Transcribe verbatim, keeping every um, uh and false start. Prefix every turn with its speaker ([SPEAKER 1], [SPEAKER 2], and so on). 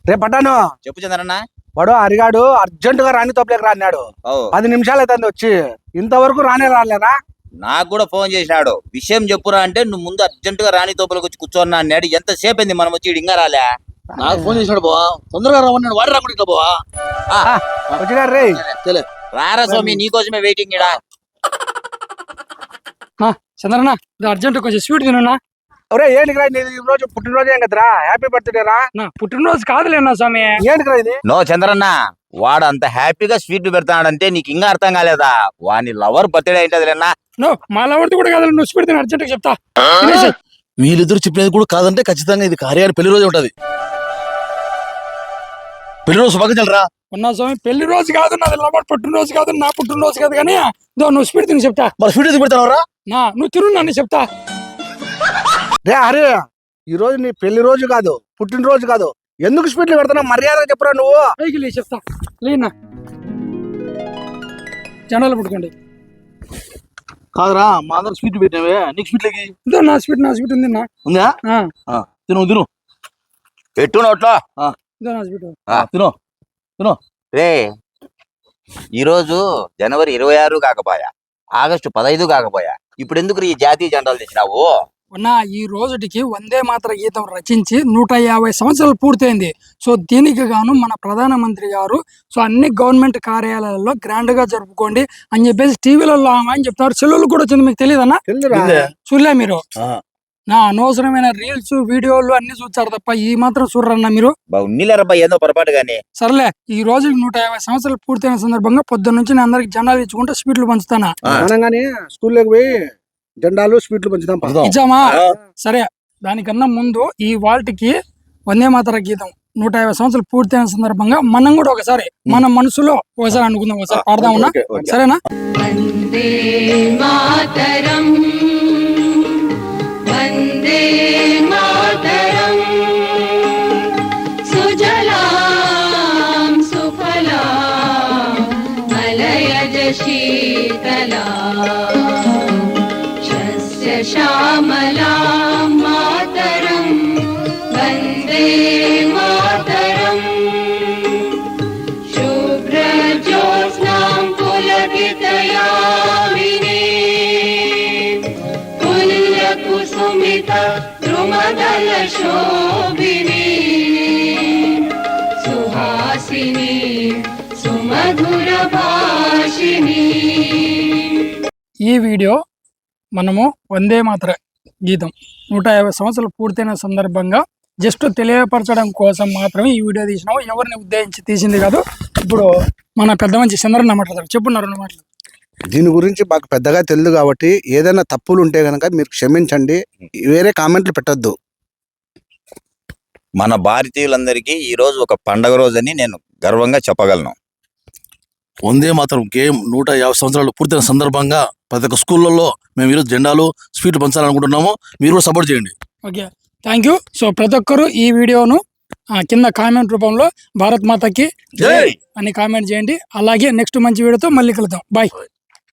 [SPEAKER 1] రేపు పట్టాను
[SPEAKER 2] చెప్పు చంద్రన్న.
[SPEAKER 1] వాడు అరిగాడు అర్జెంట్ గా రాణి తోపలేక రాన్నాడు. పది నిమిషాలు అవుతుంది వచ్చి, ఇంతవరకు రానే రాలేరా?
[SPEAKER 2] నాకు కూడా ఫోన్ చేసినాడు. విషయం చెప్పురా అంటే నువ్వు ముందు అర్జెంట్ గా రాణి తోపలకు వచ్చి కూర్చోన్నా అన్నాడు. ఎంత సేపు అయింది మనం వచ్చి ఇంకా రాలే.
[SPEAKER 3] నాకు ఫోన్ చేసినాడు బావా, తొందరగా రామన్నాడు. వాడు రాకుండా ఇట్లా బావా
[SPEAKER 1] వచ్చినారు రే.
[SPEAKER 2] రారా స్వామి, నీకోసమే వెయిటింగ్ ఇడా.
[SPEAKER 4] చంద్రన్న అర్జెంట్ కొంచెం స్వీట్ తినన్నా.
[SPEAKER 1] ఒరే ఏంటి రా, ఈ రోజు పుట్టినరోజు ఏం కదరా? హ్యాపీ బర్త్డే రా.
[SPEAKER 4] పుట్టినరోజు కాదులేనా స్వామి.
[SPEAKER 1] ఏంటి రా ఇది?
[SPEAKER 2] నో చంద్రన్న, వాడు అంత హ్యాపీగా స్వీట్ పెడతాడంటే నీకు ఇంకా అర్థం కాలేదా? వాని లవర్ బర్త్డే ఏంటది లేనా?
[SPEAKER 4] నో మా లవర్ది కూడా కాదు, నువ్వు స్వీట్ తిన అర్జెంట్ గా చెప్తా.
[SPEAKER 3] వీళ్ళిద్దరు చెప్పినది కూడా కాదంటే ఖచ్చితంగా ఇది కార్యాన్ని పెళ్లి రోజు ఉంటది. పెళ్లి రోజు శుభాకాంక్షలు రా.
[SPEAKER 4] ఉన్నా స్వామి, పెళ్లి రోజు కాదు, నాది లవర్ పుట్టినరోజు కాదు, నా పుట్టినరోజు కాదు. కానీ నువ్వు స్వీట్ తిని చెప్తా.
[SPEAKER 3] మరి స్వీట్ ఎందుకు పెడతావు రా?
[SPEAKER 4] నా నువ్వు తిను నన్ను చెప్తా.
[SPEAKER 1] రే హరి, ఈ రోజు నీ పెళ్లి రోజు కాదు, పుట్టినరోజు కాదు, ఎందుకు స్వీట్లు పెడతావు? మర్యాద చెప్పరా నువ్వు.
[SPEAKER 4] పైకి లే చెప్తా. లేనా జెండాలు పట్టుకోండి.
[SPEAKER 3] కాదురా, మా అందరు స్వీట్ పెట్టినవే, నీకు స్వీట్ లకి
[SPEAKER 4] ఇదో నా స్వీట్, నా స్వీట్ ఉంది.
[SPEAKER 3] ఉందా? తిను తిను
[SPEAKER 2] పెట్టు నోట్లో.
[SPEAKER 4] ఇదో నా స్వీట్.
[SPEAKER 3] తిను తిను.
[SPEAKER 2] రే, ఈరోజు జనవరి ఇరవై ఆరు కాకపోయా, ఆగస్టు పదహైదు కాకపోయా, ఇప్పుడు ఎందుకు ఈ జాతీయ జెండాలు తెచ్చినావు?
[SPEAKER 4] ఉన్న ఈ రోజుటికి వందే మాతర గీతం రచించి నూట యాభై సంవత్సరాలు పూర్తయింది. సో దీనికి గాను మన ప్రధానమంత్రి గారు సో అన్ని గవర్నమెంట్ కార్యాలయాల్లో గ్రాండ్ గా జరుపుకోండి అని చెప్పేసి టీవీలలో అని చెప్తారు. సెల్లులు కూడా వచ్చింది, మీకు తెలియదన్నా? చూడలే మీరు? నా అనవసరమైన రీల్స్ వీడియోలు అన్ని చూస్తారు తప్ప ఈ మాత్రం చూడరన్నా మీరు?
[SPEAKER 2] ఏదో పొరపాటు గానీ.
[SPEAKER 4] సర్లే, ఈ రోజు నూట యాభై సంవత్సరాలు పూర్తయిన సందర్భంగా పొద్దున్న నుంచి నేను అందరికి జెండాలు ఇచ్చుకుంటే స్వీట్లు పంచుతానా.
[SPEAKER 1] స్కూల్లోకి పోయి జెండాలు స్వీట్లు పంచుతాం.
[SPEAKER 4] ఇచ్చామా? సరే, దానికన్నా ముందు ఈ వాల్ట్కి వందే మాతర గీతం నూట యాభై సంవత్సరాలు పూర్తయిన సందర్భంగా మనం కూడా ఒకసారి మన మనసులో ఒకసారి అనుకుందాం, ఒకసారి పాడదామన్నా? సరేనా?
[SPEAKER 5] వందే మాతరం, వందే మాతరం, సుజలాం సుఫలాం మలయజ శీతలాం శస్య శ్యామలాం మాతరం, వందే మాతరం, శుభ్రజ్యోత్స్నాం పులకితయామినీం పుల్యకుసుమిత ద్రుమదల శోభినీం సుహాసినీం సుమధుర భాషిణీం.
[SPEAKER 4] ఈ వీడియో మనము వందే మాతర గీతం నూట యాభై సంవత్సరాలు పూర్తయిన సందర్భంగా జస్ట్ తెలియపరచడం కోసం మాత్రమే ఈ వీడియో తీసినాము. ఎవరిని ఉద్దేశించి తీసింది కాదు. ఇప్పుడు మన పెద్ద మంచి చంద్రన్న మాట్లాడతారు. చెప్పున్నారు రెండు మాటలు.
[SPEAKER 1] దీని గురించి మాకు పెద్దగా తెలియదు కాబట్టి ఏదైనా తప్పులు ఉంటే గనక మీరు క్షమించండి, వేరే కామెంట్లు పెట్టొద్దు.
[SPEAKER 2] మన భారతీయులందరికీ ఈ రోజు ఒక పండగ రోజు అని నేను గర్వంగా చెప్పగలను.
[SPEAKER 3] వందే మాత్రం గేమ్ నూట యాభై సంవత్సరాలు పూర్తయిన సందర్భంగా ప్రతి ఒక్క స్కూళ్ళల్లో మేము ఈరోజు జెండాలు స్వీట్లు పంచాలనుకుంటున్నాము. మీరు కూడా సపోర్ట్ చేయండి.
[SPEAKER 4] Okay, thank you. సో ప్రతి ఒక్కరు ఈ వీడియోను కింద కామెంట్ రూపంలో భారత్ మాతకి జై అని కామెంట్ చేయండి. అలాగే నెక్స్ట్ మంచి వీడియోతో మళ్ళీ కలుద్దాం. బాయ్.